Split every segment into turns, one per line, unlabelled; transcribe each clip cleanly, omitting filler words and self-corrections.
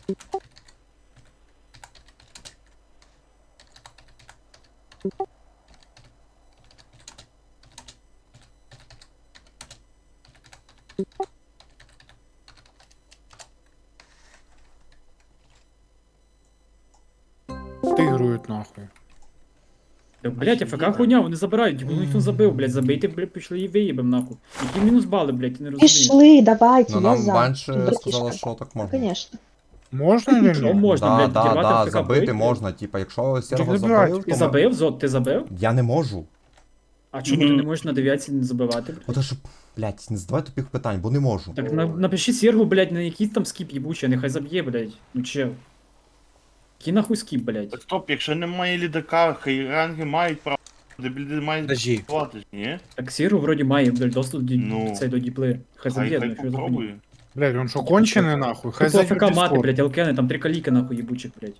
Тигрують нахуй.
Блять, АФК хуйня, вони забирають, його ніхто забив, блять, забийте, блять, пішли і виїбем нахуй. Які мінус бали, блять, я не розумію.
Пішли, давайте,
Ну
я
нам
за.
банше
Братішка.
сказали, що так
Ну,
можна.
конечно.
Можна чи
Що
ні?
можна, блять,
Да,
дірвати
да,
АФК
забити
бить,
можна, типа, якщо Серго
забирать.
забив,
Ти
то
забив, Зод, ти забив?
я не можу.
А чому ти не можеш на дев'ятці не забивати, блять?
Ото що, блядь, не задавай тупих питань, бо не можу.
Так напиши Сергу, блять, на якийсь там скіп їбучий, нехай заб'є, блять. Ну чел. Який нахуй скіп, блять?
Так стоп, якщо немає лідака, хай ранги мають право. Дебілі мають
Подожди.
плати, ні?
Так Сергу вроді має, блять, доступ
Ну.
цей до діпли. Хай заб'є,
Хай
ну що за хуйня.
попробує.
Блядь, він що кончений нахуй? Хай
Хай
зайдуть
АФК
в
мати,
Discord.
блять, алкени, там 3 каліки нахуй їбучих, блять.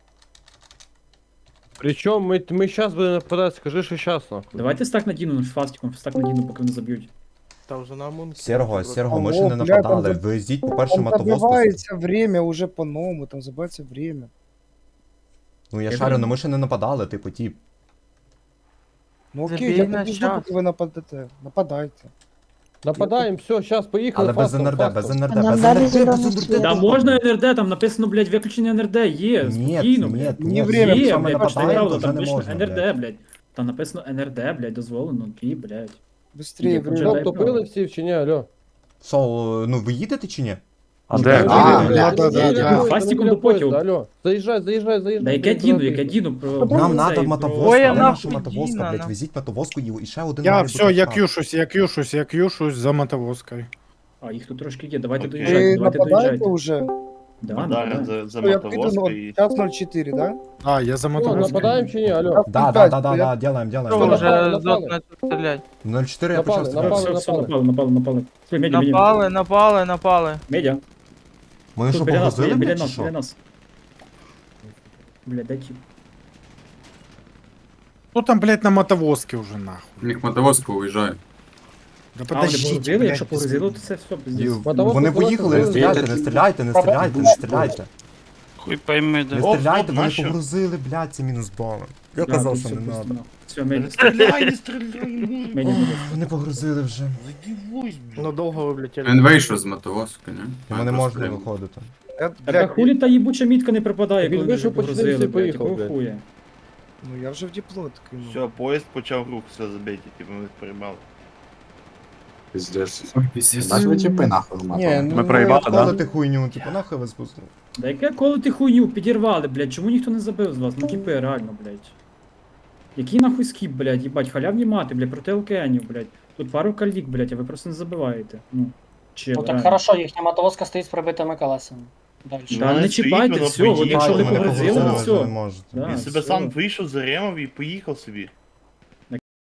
Причем мы сейчас будем нападать, скажи, что сейчас нахуй.
Давайте стак надіну, фастиком, стак надіну, поки не заб'ють.
Та вже на мун.
Серго, ми ще
Алло,
не
бля,
нападали.
там
Ви йдіть по першому
Там
мотовозку.
забивається время уже по-новому, там забивається время.
Ну я
Я
шарю,
знаю.
ну ми ще не нападали, типу, тіп.
Ну окей,
Забій
я
на
тоді жду,
час.
поки ви нападете. Нападайте.
Нападаем, все, сейчас поехали.
Але без
фастом,
НРД,
фастом.
без НРД,
Нам
без
дали
НРД,
зелений
без
світ.
Да
НРД.
можна НРД, там написано, блядь, виключення НРД, є,
Ні,
спокійно,
ні,
блядь.
ні,
время,
Є,
якщо ми
блядь, почти
нападаємо,
правда,
то вже
там
не
пише
можна,
НРД,
блядь.
блядь. Там написано НРД, блядь, дозволено, і, блядь.
Быстрее,
Ні,
время.
вже дай
Что, тупили все чи ні, алло?
Сол, ну ви їдете чи ні?
А,
да, да.
Фастиком до потягу.
Алло, заезжай, заезжай, заезжай.
Да яке діну, про...
Нам
цей,
надо
про-
мотовозка,
Ой,
де
нахуй
наша мотовозка,
Діна,
блядь,
на.
везіть мотовозку і ще один
Я
має
все,
бути
я
штаб.
к'юшусь за мотовозкою.
А, їх тут трошки є, давайте
Окей.
доїжджайте,
Ви
давайте
нападаєте
доїжджайте.
вже?
Да,
Удари
да.
за
Я піду
мотовозку і...
час 04, да?
А, я за
Что,
мотовозкою.
нападаем чи ні, алло?
Да, делаем.
Що
Напали,
вже
напали.
зот не стрілять?
0,4 я почав
Напали,
стріляти.
Все, напали. Все, медіа,
Напали.
медіа.
Ми що,
Біля нас,
погрузили,
біля
блядь, чи
нас,
що?
біля нас. Бля, дай тип.
Хто там, блядь, на мотовозці вже нахуй?
У них мотовозка уїжджає.
Да
А, вони
подождіть,
погрузили,
блядь,
якщо погрузили, то це все, пиздец.
Мотовозку
Вони
кудись
поїхали, не
погрузили.
стріляйте, не стріляйте.
Хуй пойми,
Не
Оп,
стріляйте,
оп,
вони
нащо?
погрузили, блядь, ці мінус бали. Я
Да,
казав,
тут
що
все
не
просто,
надо.
ну. Все,
Не
медіа.
стріляй, не стріляй!
Медіа, медіа.
Вони погрузили вже.
Задівусь,
Ну довго ви влетіли.
Він вийшов з мотовозки, не?
Йому не можна виходити.
Я,
Так а
блядь,
хулі та їбуча мітка не пропадає,
Він
коли ми вже
вийшов, почти
погрузили,
всі
блядь,
поїхав,
якого
блядь.
хуя?
ну я вже в діплот кинув.
Все, поїзд почав рух, все забейте, типу ми їх перебали.
Пиздец.
Наші чіпи нахуй
Ні, ну,
Колоти хуйню, типу, нахуй ви спустили.
Да яке коли ти хуйню підірвали, блядь, чому ніхто не забив з вас? Ну тіпи, реально, блядь. Який нахуй скіп, блядь, їбать, халявні мати, блядь, проти океанів, блядь. Тут пару калік, блядь, а ви просто не забиваєте. Ну, чел,
Ну так
реально.
хорошо, їхня мотовозка стоїть з пробитими колесами. Дальше.
Да,
Вона
не
стоїть,
чіпайте,
вона
все, от
поїхала,
якщо ви
Мене
погрузили,
погрузили,
все.
ви не можете.
Да,
Він себе
все.
сам вийшов, заремав і поїхав собі.